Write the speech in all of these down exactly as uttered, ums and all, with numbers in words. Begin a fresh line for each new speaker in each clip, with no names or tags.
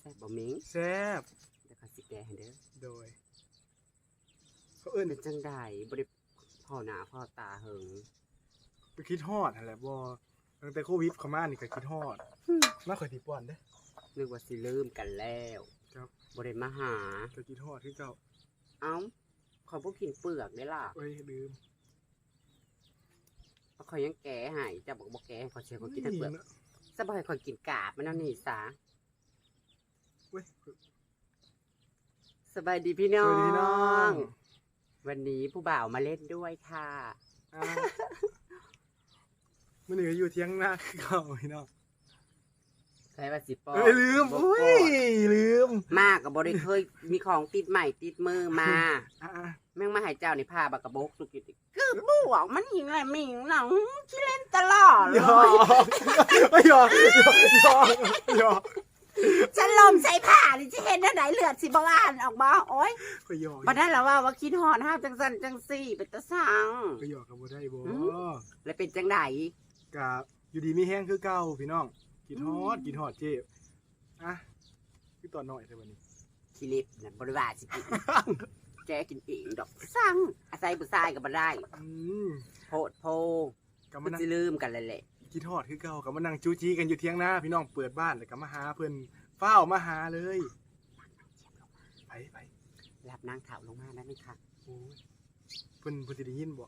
แซ่บบ่มิง
แซ่บ
เดี๋ยวเขาสิแกให้เด้อ
โดยเขาเอิ้น
เป็นจังได๋บ่ได้พ่อหน้าพ่อตาเหิง
ไปคิดฮอดนั่นแหละบ่ตั้งแต่โควิดเข้ามานี่ก็คิดฮอดมาข่อยสิป้อนเด้อ
นึกว่าสิลืมกันแล้ว
ครับ
บ่ได้มาหา
ก็คิดฮอดคือเก่า
เอ้าขอยบ่กินเปลือกได้ล่ะ
เอ้ยลืม
ขอยยังแกะให้เจ้าบอกบ่แกะให้ขอยเสียขอยกินแต่เปลือกซะบ่ให้ขอยกินกาบมันเอานี่ซะ
เว้ย
สบายดีพี่น้อ
สวัสดีพี่น้อง
งวันนี้ผู้บ่าวมาเล่นด้วยค่ะ
มื้อนี้ก็อยู่เที่ยงนาคือเก่าพี่น้อง
ใช่ว่าสิปอ
เอ้ยลืมอุ้ยลืม
มากก็บ่ได้เคยมีของติดใหม่ติดมือมา
อ่า
แม่งมาให้เจ้านี่พาบักกะบกสุกิติคือบ่วงมันหิงอะไรมิงหนังขี้เล่นตลอดเลย
ไม่ยอมยอมยอม
ฉันลมใส่ผ้านี่จะเห็นอันไหนเลือดสิบ่อ่านออกบ่โอ๊ย
ก็ยอม
บ่ได้แล้วว่าว่าคิดฮอดฮาบจังซั่นจังซี่เป็นตาสัง
ก็ยอมก็บ่ได้บ่
แล้วเป็นจังได๋
ก็อยู่ดีมีแห้งคือเก่าพี่น้องกินฮอดกินฮอดเจ็บอ่ะคือตอนน้อยแต่วันนี้
ขี้เล็บน่ะบ่ได้ว่าสิกินแกกินเองดอกสั่งอาศัยผู้ชายก็บ่ได้
อืม
โพดโพก็มันสิลืมกันแล้วแหละ
กินฮอดคือเก่าก็มานั่งจู้จี้กันอยู่เที่ยงนาพี่น้องเปิดบ้านแล้วก็มาหาเพิ่นเฝ้ามาหาเลยไปไป
รับนางเฒ่าลงมาได้มั้ยคะ
โอ้ยเพิ่นเพิ่นสิได้ยินบ่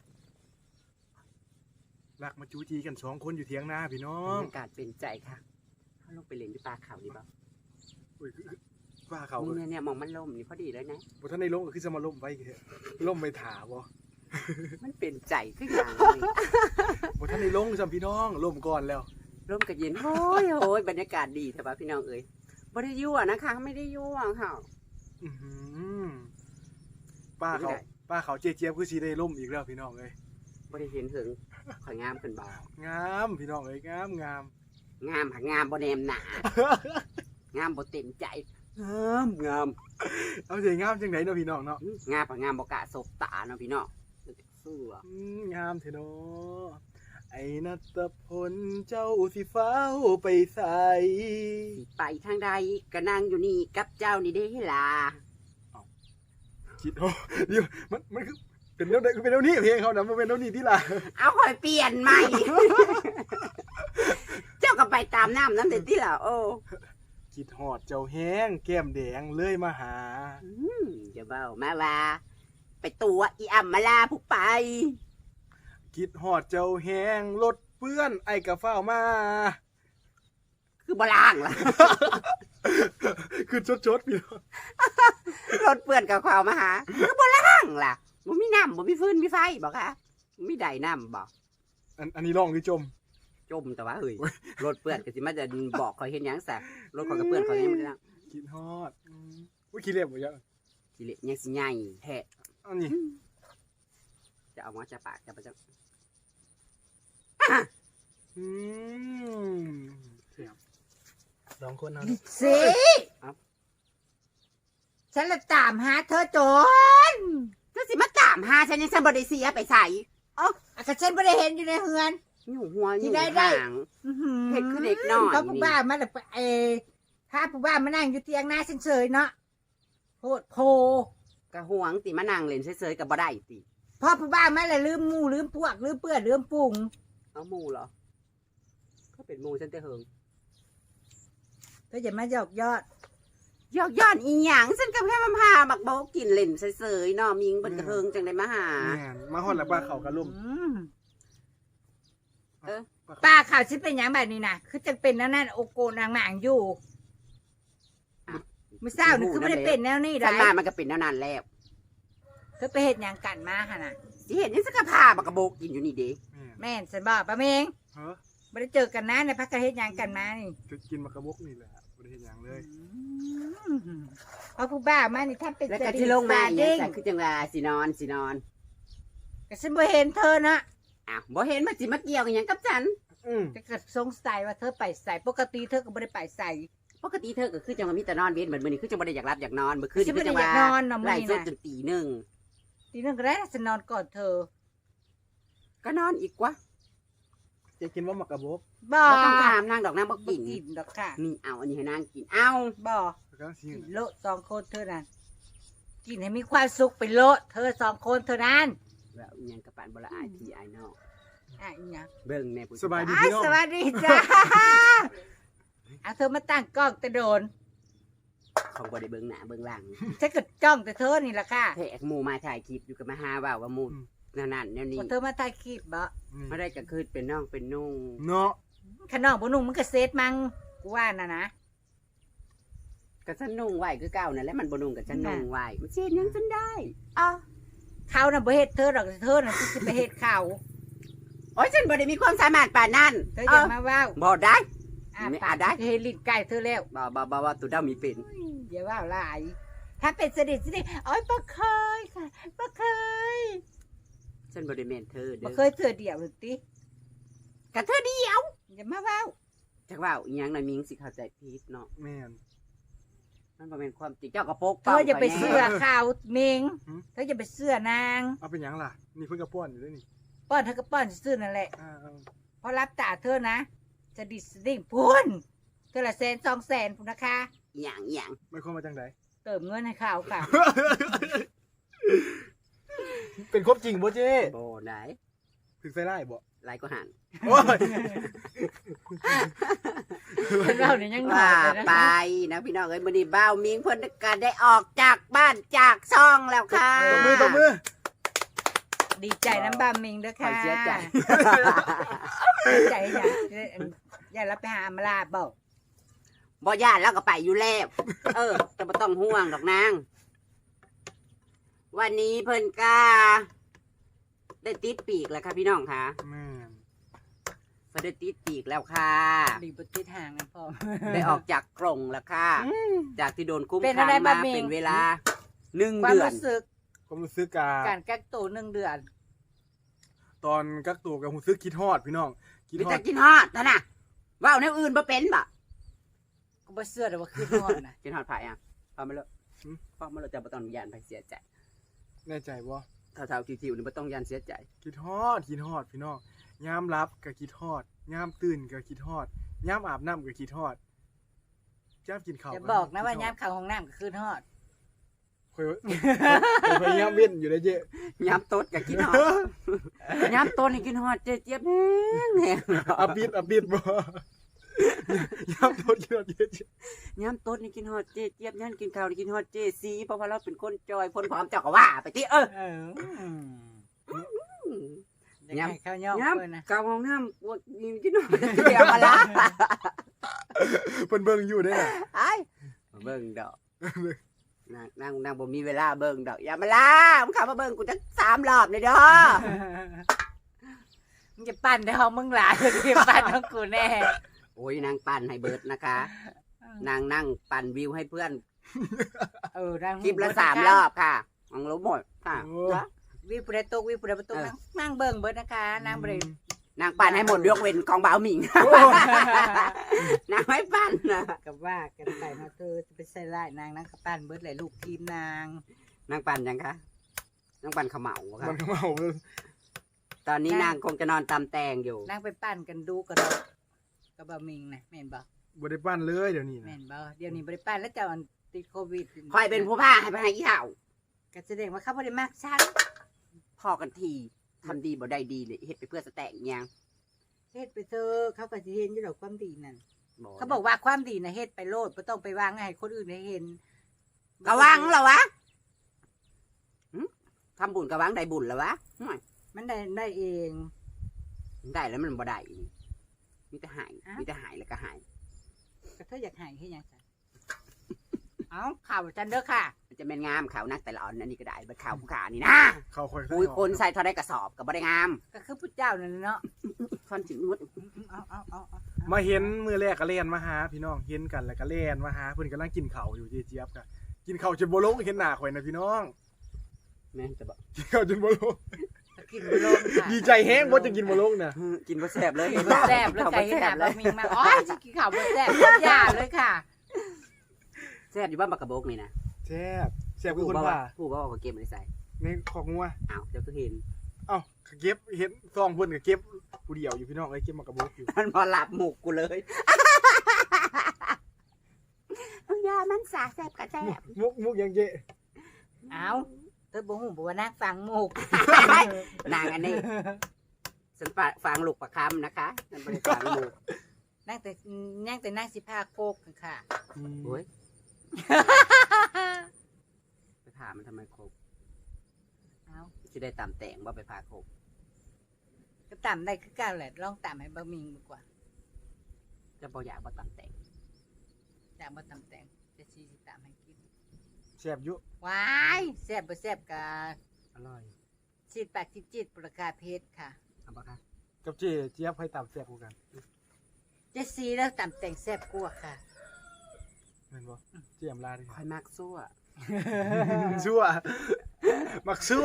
รักมาจู้จี้กันสองคนอยู่เที่ยงนาพี่น้อง
บรรยากาศเป็นใจค่ะเฮาลงไปเล่นที่ปลาเขานี่บ่
โอ้ยปลาเขา
นี่เนี่ยๆมองมันล่มนี่พอดีเลยนะ
บ่ทันได้ลงก็คือจะมาล่มไว้แท้ล่มไปถาบ่
มันเป็นใจคือหยังนี่
บ่ทันได้ลงซ้ํพี่น้องล่มก่อนแล้ว
ร่มก็เย็นโอ้ยโอ้ยบรรยากาศดีแท้บ่พี่น้องเอ้ยบ่ได้ยั่วนะคะไม่ได้ยั่วค่ะ
อื้อหือป้าเขาป้าเขาเจี๊ยบคือสิได้ล่มอีกแล้วพี่น้องเอ้ย
บ่ได้เห็นถึงข่อยงามขึ้นบ่
งามพี่น้องเอ้ยงามงาม
งามหักงามบ่แนมหน้างามบ่เต็มใจงามงาม
เอาสิงามจังได๋เนาะพี่น้องเนาะ
งามผักงามบ่กะสบตาเนาะพี่น้องเสื้อ
อืมงามแท้เนาะไอ้ณัฐพลเจ้าสิฟ้าวไปไส
สิไปทางใดก็นั่งอยู่นี่กับเจ้านี่เด้ล่ะ
อ้าวคิดโอ้เดี๋ยวมันมันคือเป็นแนวใดคือเป็นแนวนี้เพลงเขาน่ะมันเป็นแนวนี้ติล่ะ
เอาค่อยเปลี่ยนใหม่เจ้าก็ไปตามน้ำนำเด้ติล่ะโอ้
คิดฮอดเจ้าแห้งแก้มแดงเลยมาหา
อืมอย่าเว้ามาว่าไปตัวอีอ่ำมาลาผู้ไป
คิดฮอดเจ้าแห้งรถเปื้อนไอ้กะเฝ้ามา
คือบ่ล้างล่ะ
คือชดๆพี่น้อง
รถเปื้อนกับข้าวมาหาคือบ่ล้างล่ะบ่มีน้ำบ่มีฟืนมีไฟบ่คะมีใดน้ำบ่
อันอันนี้ร้องหรือจม
จมแต่ว่าเฮ้ยรถเปื้อนก็สิมาจะบอกข่อยเฮ็ดหยังซะรถข่อยก็เปื้อนข่อยยังบ่ได้ล้าง
คิดฮอดอุ้ยขี้เล็บบ่ยะ
ขี้เล็บยังสิใหญ่แท้
อันนี้
จะเอามาจะปากจะประจัง
อืมเสียบสองคนเอา
สิฉันละตามหาเธอจน
เธอสิมาตามหาฉันยังฉันบ่ได้เสียไปใส่
เอ้าก็ฉันบ่ได้เห็นอยู่ในเฮือน
อยู่หัวอยู่ห่างเฮ็ดคือเด็กน้อย
เขาผู้บ้ามาแล้วเอถ้าผู้บ้ามานั่งอยู่เตียงหน้าฉันเฉยเนาะโพดโพ
กะห่วงติมานั่งเล่นเฉยๆก็บ่ได้ติ
พ่อผู้บ้ามาแล้วลืมหมู่ลืมพวกลืมเปื้อนลืมปุง
เอาหมู่เหรอเขาเป็นหมู่ฉันแต่เฮิง
เธออย่ามาหยอกยอด
หยอกยอดอีหยังฉันก็แค่มาพาบักโบกินเล่นเฉยๆเนาะมิงเพิ่นก็เฮิงจังได้มาหา
แม่นมาฮอดแล้วป้าเขาก็ล่ม
เออป้าเขาสิเป็นหยังแบบนี้น่ะคือจังเป็นนั่นนั่นโอโกนางหมางอยู่มื้อเช้านี่คือบ่ได้เป็นแนวนี้ได้
ฉันมามันก็เป็นแนวนั้นแล้ว
เธอไปเฮ็ดหยังกันมาหั่นน่ะ
สิเฮ็ดหยังสักก็พาบักโบกินอยู่นี่เด้
แม่นฉันบอกป้าเมงฮะบ่ได้เจอกันนะในพักกะเฮ็ดหยังกันมานี่
จะกินบักกะบกนี่แหละบ่ได้เฮ็ดหยังเลย
เอาผู้บ้ามานี่ถ้าเป็น
แล้วก็ที่ลงมาเนี่ยคือจังว่าสินอนสินอน
ก็ฉันบ่เห็นเธอนะ
อ้าวบ่เห็นมาสิมาเกี่ยวกันหยังกับฉัน
อือก็สงสัยว่าเธอไปใส่ปกติเธอก็บ่ได้ไปใส่
ปกติเธอก็คือจังว่ามีแต่นอนเว้นเหมือนมื้อนี้คือจังบ่ได้อยากรับอยากนอนมื้อคืนคือจังว่าไล่จนจนตีหนึ่ง
ตีหนึ่งก็ได้ฉันนอนก่อนเธอ
ก็นอนอีกวะจ
จะกินว่าหมักกระบอก
บ่
บ่ต้องถามนางดอกนางบ่
บ่
กิน
กินดอกค่ะ
นี่เอาอันนี้ให้นางกินเอา
บ่
แล้วก็สิ
กินโลดสองคนเท่านั้นกินให้มีความสุขไปโลดเธอสองคนเท่านั้น
แล้วอิหยังกระปานบ่ละอายพี่อายน้อง
อ่ะอีหยัง
เบิ่งแม่ผู้
สบายดี
อ้าย
พี่น้อง
สวัสดีจ้าเอาเธอมาตั้งกล้องแต่โดน
ของบ่ได้เบิ่งหน้าเบิ่งหลัง
ฉันก็จ้องแต่เธอนี่แหละค่ะ
แทกหมู่มาถ่ายคลิปอยู่กับมาหาว่าว่าหมู่นั่นนั่นแนวนี้
พอเธอมาถ่ายคลิปบ่
นี่
มาได้ก็คือเป็นน้องเป็นนุ่ง
เนาะ
ขนองบ่นุ่งมันก็เซตมังกูว่าน่ะนะ
ก็ฉันนุ่งไหวคือเก่านั่นแหละมันบ่นุ่งกับฉันนุ่งไหวมันเช็ดหยังฉันได้อ้อ
เขาน่ะบ่เฮ็ดเธอดอกเธอน่ะสิไปเฮ็ดเขา
โอ้ยฉันบ่ได้มีความสามารถปานนั้น
เธออย่ามาเว้า
บ่ได้
อ่ะ
ไม่
ปา
อาจได้
เฮ็ดลิ้นไก่เธอแล้ว
บ่บ่บ่ว่าตุดามีเป็น
อย่าว่าหลาย ถ้าเป็นสนิทสนิทโอ้ยบ่เคยค่ะบ่เคย
ฉันบ่ได้แม่นเธอ
บ่
เด้อ
เคยเธอเดียวหรือติ
กะเธอเดียว
อย่ามาเว้า
จักว่าอีหยังน่ะมิงสิเข้าใจผิดเนาะ
แม่น
มันบ่แม่นความจริงเจ้าก็ปก
เธออย่าไปเสื้อข่าวเมง
หืม
เธออย่าไปเสื้อนาง
เอาเป็นหยังล่ะนี่เพิ่นกระป้อนอยู่ด้วยนี่
ป้อนเธอก็ป้อนซื่อนั่นแหละ
อ่าเอา
เพราะรับตาเธอนะจะดิสดิ่งพุ่นเธอละแสนสองแสนพุ่นนะคะ
อีหยังอีหยัง
ไม่ความมาจังได
เติมเงินให้เขาค่ะ
เป็นครบจริงบ่เจ้
บ่ได้
ถึงใส่ได้บ่
หลายก็หัน
โอ้ย
เราเนี่ยยังหน่อ
ว่าย
เลยนะ
ไปนะพี่น้องเอ้ยมื้อนี้บ่าวมิงเพิ่นก็ได้ออกจากบ้านจากช่องแล้วค่ะ
ตบมือตบมือ
ดีใจน้ำบามิงด้วย
ขอ
ค่ะ
เสียใจ
ดีใจอย่าอย่ารับไปหาอำมาลาบอก
บ่ย่านแล้วก็ไปอยู่แล้ว เออจะบ่ต้องห่วงดอกนาง วันนี้เพิ่นก็ได้ติดปีกแล้วค่ะพี่น้องค่ะ
แม่น
เพิ่นได้ติดปีกแล้วค่ะ
ดีบติดห่างนะพ่อ
ได้ออกจากกรงแล้วค่ะ จากที่โดนคุ้ม
เป็น
ขั
อะ
ง
ไร
มา
บะหมี่
เป็นเวลาหนึ่ง
ความ
เดือน
รู้สึก
ความรู้สึกกา
การกักตัวหนึ่งเดือน
ตอนกักตัวกับรู้สึกคิดฮอดพี่น้องคิด
มี
ฮอ
แต่
ด
กินฮอดนั่นน่ะว่าวแนวอื่นบ่เป็นบ่
ก็บ่เสื้อแต่ว่าคืนนอนนะ
กินฮอดไผอ่ะพอมาเลยพอมาเลยจะบ่ต้องยานไผเสียใจ
แน่ใจบ่
เท่าๆทิวๆนี่บ่ต้องยานเสียใจ
คิดฮอดคิดฮอดพี่น้องยามรับก็คิดฮอดยามตื่นก็คิดฮอดยามอาบน้ำก็คิดฮอดยามกินข้าว
อย่าบอกนะว่าย้ำข่าวของน้ำก็คืนฮอด
คอยพยายามเว้นอยู่ได้เจ๊
ยามตดก็กินฮอดยามตดนี่กินฮอดเจี๊ยบแห้งๆ
อับบิดอับบิดบ่ยามโดนกินฮอดเจ๊
ยามตดนี่กินฮอดเจี๊ยบยามกินข้าวนี่กินฮอดเจซีเพราะว่าเราเป็นคนจอยคนพร้อมเจ้าก็ว่าไปติเออ
เออ
ย้
ย้ำข้าวย่อง
ยาม
เลยนะ
กาวห้องน้ำปวดนี่กินฮอดเจียวมาละ
เพิ่นเบิ่งอยู่เด้อ
ไอ้เบิ่งดอกนางนางนางบ่มีเวลาเบิ่งดอกอย่ามาล่ามึงเข้ามาเบิ่งกูจักสามรอบเลยเด้อ
มึงจะปั่นได้ห้องมึงหลายเลยที่ปั่นของกูแน่
โอ้ยนางปั่นให้เบิดนะคะ นางนั่งปั่นวิวให้เพื่อน
เออนั่ง
คลิปละสามรอบค่ะมองรู้หมดค่ะจ้ะ
วิวปุระตกวิวปุระประตู
เออ
นั่งนั่งเบิ่งเบิดนะคะนางบริ
นางปั่นให้หมดยกเว้นของบ่าวหมิง นางไม่ปั่นนะ
กับว่ากันไปเนาะเธอจะไปใส่ร้ายนางนางกับปั่นเบิดหลายลูกทีมนาง
นางปั่นยังคะนางปั่นเขมเหลาค่ะ
มันก็เมา
ตอนนี้นางคงจะนอนตำแตงอยู่
นางไปปั่นกันดูกันเนาะกับบะมิงนะแม่นบ่
บ่ได้ปั้นเลยเดี๋ยวนี้
แม่
นะ
นบ่เดี๋ยวนี้บ่ได้ปั่นแล้วเจ้าอันติดโควิด
คอยเป็นผู้ผ้าให้ไปให้ยี่เห่า
ก็แสดงว่าเขาบ่ได้มักฉัน
พอกันทีทำดีบ่ได้ดีเลยเฮ็ดไปเพื่อสแต็กอิหยัง
เฮ็ดไปเถอะเขาก็สิเห็นอยู่ดอกความดีนั่น
บ่
เขาบอกว่าความดีนะเฮ็ดไปโลดบ่ต้องไปวางให้คนอื่นได้เห็น
กะวังเหรอวะหึทำบุญกะวังได้บุญเหรอวะห่วย
มันได้ได้เอง
ได้แล้วมันบ่ได้อีกมีแต่หายมีแต่หายแล้วก็หาย
ก็เธออยากให้เฮ็ดหยังซะเอ้าข่าวจันเด้อค่ะ
มันจะเป็นงามขาวนักแต่ละอ่อนอันนี้ก็ได้เบิดขาวผู้ขานี่นะ
เข้าค่อย
ปุยคนใส่เท่าได้กระสอบก็บ่ได้งาม
ก็คือพุทธเจ้านั่นเนาะ
ค่อนสิมุด
เอาเอาเอาเอา
มาเห็นมื้อแรกก็เล่นมาหาพี่น้องเห็นกันแล้วก็เล่นมาหาเพิ่นกำลังกินข้าวอยู่เจ๊เจี๊ยบก็กินข้าวจนบ่ลงเห็นหน้าข่อยนะพี่น้อง
แม่นจะบอก
กินข้าวจนบ่ลง
กินบ่ลงค่ะ
ดีใจแฮงบ่จะกินบ่ลงน่ะ
กินบ่แซ่บเลย
กินบ่แซ่บเลยไก่หนาบะมิงมาอ๋อสิกินข้าวบ่แซ่บอย่าเลยค่ะ
แซ่บอยู่บ้านบักกระโบกนี่นะ
แซ่บแซ่บคือคนว่า
ผู้บ่ว่าเขาเก็บไว้ใส่
ในของงัว
อ้าวเดี๋ยวก็เห็น
เอ้าเก็บเห็นซองเพิ่นก็เก็บผู้เดียวอยู่พี่น้องเอ้ยเก็บมากระบอกอยู่
มันพอหลับหมุกกูเลยเอายามันสาแสบกระแสบ
มุกมุกยังเจ๊
เอาเธอบ่ฮู้บ่ว่านักฟังหมูก
นางอันนี้ฉันฝากฟังลูกประคำนะคะฉันไม่ได้ฟังหมุก
นั่งแต่นั่งแต่นั่งสิพาโคกกันค่ะ
โอ้ยไปผ่ามันทำไมครบ
เอา
จะได้ตามแต่งว่าไปผ่าครบ
ก็ต่ำได้คือเกันแหละลองต่ำให้บะหมิงดีกว่า
จะบออยากว่าตามแต่ง
จากบ่ต่ำแต่งจะซีสิต่ำให้กิน
แซ่บอยู่
ว้ายแซ่บบ่แซ่บกะ
อร่อย
ชีดปากจิตจิตประกาศเพชรค่ะ
เอาปะคะ
กับเจ๊เจี๊ยบให้ตามแซ่บกว่ากัน
เจะซีแล้วต่ำแต่งแซ่บกว่าค่ะ
แม่นบ่เจี๊ยมลาดิ
คอยมากซั่ว
ชั่วมักชั่ว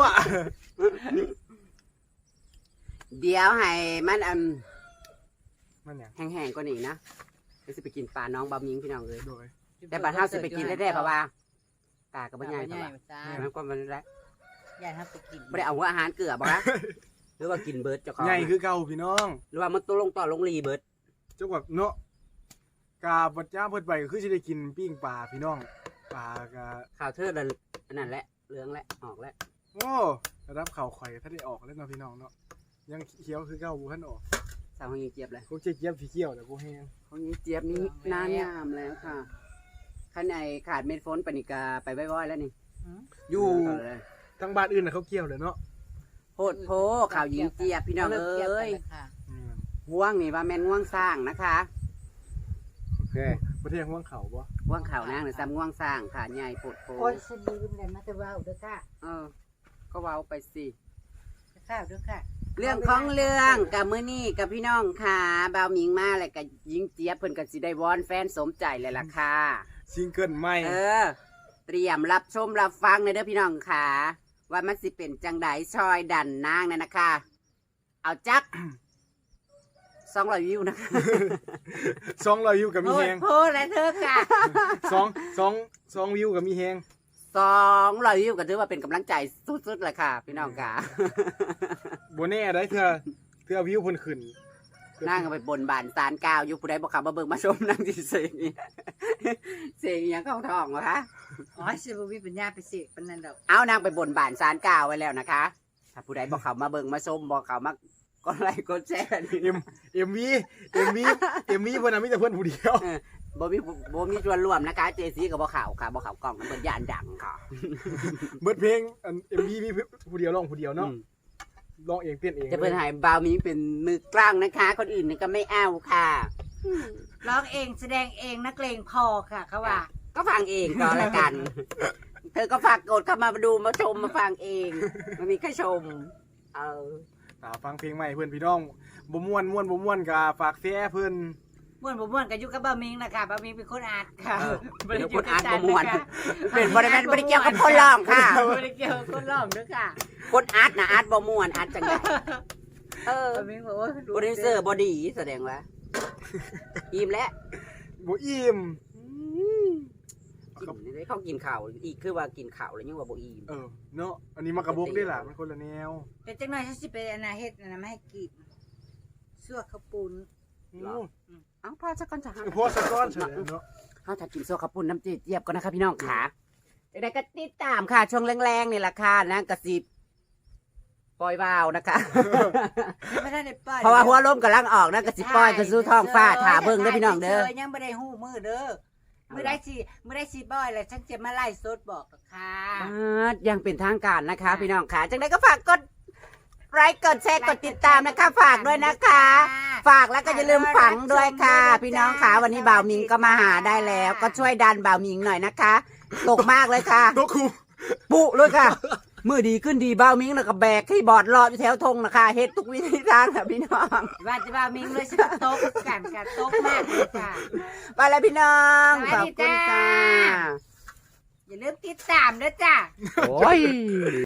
เดี๋ยวให้มันอัน
มันหยัง
แห้งๆกว่านี้นะเดี๋ยวสิไปกินปลาน้องบะมิงพี่น้องเลย
โดย
แต่บัดเฮาสิไปกินได้ๆเพราะว่าตากกับ
บ่
บ่
ให
ให
ญ่
ญ่เพราะว่า
จ้า
มันก็มันแล้ว
อย่าทำไปกิน
บ่ได้เอาหัวอาหารเกลือบ่นะหรือว่ากินเบิร์ดเจ้าของ
ใหญ่คือเก่าพี่น้อง
หรือว่ามันตัวลงต่อลงรีเบิร์ด
เจ้ากับเนาะกาบัดจ้าเพิ่นไปก็คือสิได้กินปิ้งปลาพี่น้องปลากะ
ข่าวเทิดแล้วอันนั่นแหละเหลืองแล้วออกแล้ว
โอ้ระดับข่าวข่อยถ้าได้ออกแล้วเนาะพี่น้องเนาะยังเขียวคือเก่าบ่ทันออก
สาวของยิงเจี๊ยบเลย
พวกเจ๊เจี๊ยบสีเขียวแต่บ่แห้ง
ของยิงเจี๊ยบนี้นานงามแล้วค่ะข้างในขาดเม็ดฝนปานิกาไปไว้ๆแล้วนี่
หืม
อยู่
ต่เลย
ทางบ้านอื่นน่ะเขาเกี่ยวเลยเนาะ
โพดโพข่าวยิงเจี๊ยบพี่น้องเอ้ย
ค่ะ
อืม
ง่วงนี่ว่าแม่นง่วงสร้างนะคะ
โอเคประเทศห่วงเขาบ่
ง่วงเขาวนางหรือซ้ำง่วงสร้างค่ะใหญ่โพดโพ
โอ้ยสลืมเลยมาแต่ว่าเด้อค่ะ
เออ ก็เว้าไปสิ
ข้าวเด้อค่ะ
เรื่องของเรื่องกับมื้อนี้กับพี่น้องค่ะบ่าวหมิงมาแล้วก็ยิงเจี๊ยบเพิ่นก็สิได้วอนแฟนสมใจเลยล่ะค่ะ
ซิงเกิลใหม่
เออ เตรียมรับชมรับฟังในเด้อพี่น้องค่ะ ว่ามันสิเป็นจังไดชอยดันนางนั่นนะคะ เอาจัก สองร้อยวิวนะคะ
สองร้อยวิวกับมี
โอ้
แฮ
ย
ง
โพดแล้วเธอค่ะ
สองสองสองวิวกับมีแฮง
สองร้อยวิวก็ถือว่าเป็นกำลังใจสุดๆเลยค่ะ พี่น้องค่ะ
บ่แน่ได้เทื่อเทื่อวิวเพิ่นขึ้น
นั่งไปบนบานสารกาวอยู่ผู้ใดบอกขับมาเบิ่งมาชมนั่งที่เสียงนี่เสียงอหยังเข้าท้องวะคะ
อ๋อสิบ่มีปัญญาไปเสกปานนั้นดอก
เอานางไปบนบานสารกาวไว้แล้วนะคะ ถ้าผู้ใดบอกเขามาเบิ่งมาชมบอกเขามากดไลค์กดแชร์นี่
เอ็มเอ็มวีเอ็มวีเอ็มวีเพิ่นน่ะมีแต่เพิ่นผู้เดียว
บ่มีบ่มีส่วนร่วมนะคะ เจซีกับบ่เขาค่ะบ่เขากล้องมันเป็นยานดังค่ะ
เบิดเพลงอัน เอ็ม วี มีผู้เดียวร้องผู้เดียวเนาะ
อืม
ร้องเองเต้นเอง
จะเพิ่นให้บาวมีเป็นมือกลางนะคะ คนอื่นนี่ก็ไม่เอาค่ะ
ร้องเองแสดงเองนักเลงพอค่ะเขาว่า
ก็ฟังเองก็แล้วกัน เธอก็ฝากกดเข้ามาดูมาชมมาฟังเองไมันมีแค่ชม เออ
ตาฟังเพลงใหม่เพื่อนพี่น้องบ่ม่วนม่วนบ่ม่วนก็ฝากแซ่เพิ่น
ม่วนบ่ม่วนก็อยู่กับบ่าวมิงนะคะบ่าวมิงเป็นคนอาร์ตค่ะ
เออ
บ่ได้
เดี๋ยว
อ
ค
ยู่
น
กับ
อ่าน
ฉั
ประมวล
นะคะ
เป็นบริเวณบริเกี่ยวกับคนร้องค่ะ
บ่ได้เกี่ยวกับคนร้องเด้อค่ะ
คนอาร์ตนะอาร์ตบ่ม่วนอาร์ตจังไงเออ
บ่าวมิงบอกว่า
โปรดิวเซอร์บอดีแสดงว่าอิ่มแล้ว
บ่อิ่ม
กินได้เขากินข่าวอีกคือว่ากินข่าวแล้วยังว่าบ่อิ่ม
เออเนาะอันนี้มากระบอกได้ล่ะมันคนละแนว
แต่จังหน่อยฉันสิไปอันน่ะเฮ็ดอันน่ะมาให้กินซั่วข้าวปุ้น
โอ้
เอ้าพ่อสักก่อนจะหา
พอสะก้อนเฉยเนาะ
เขาจะกินโซขับปุ่นน้ำจืดเจี๊ยบก่อนนะคะพี่น้องขาจะได้ก็ติดตามค่ะ ช่วงแรงๆนี่แหละค่ะนะกระสิบปล่อยวาวนะคะ
ไม่ได้ได้ปล่อย
เพราะว่าหัวลมกำลังออกนะกระสิบปล่อยกระสู้ท้องฟ้าถาเบิ่งเด้อพี่น้องเด้อ
ยังบ่ได้ฮู้มื้อเด้อมื้อได้สิมื้อได้สิบ่อยแล้วฉันจะมาไล่สดบอกกับค่ะ
อ่ายังเป็นทางการนะคะ พี่น้องขาจังได้ก็ฝากกดไลค์กดแชร์กดติดตามนะคะ ฝากด้วยนะคะ ฝากแล้วก็อย่าลืมฝังด้วยค่ะ พี่น้องขาวันนี้บ่าวมิงก็มาหาได้แล้ว ก็ช่วยดันบ่าวมิงหน่อยนะคะตกมากเลยค่ะ
ตัวครู
ปุเลยค่ะ มือดีขึ้นดีบ่าวมิงแล้วก็แบกที่บอร์ดรออยู่แถวธงนะคะเฮ็ดทุกวิธีทางค่ะพี่น้อง
ว่าจะว่ามิงเลยสิโต๊ะกันค่ะโต๊ะมากเลยค่ะ
ไปแล้วพี่น้อง
สวั
ข
ส
อบ
ดี
คุณ
จ้า
จ้า
อย่าลืมติดตามด้วยจ้า
โอ้ย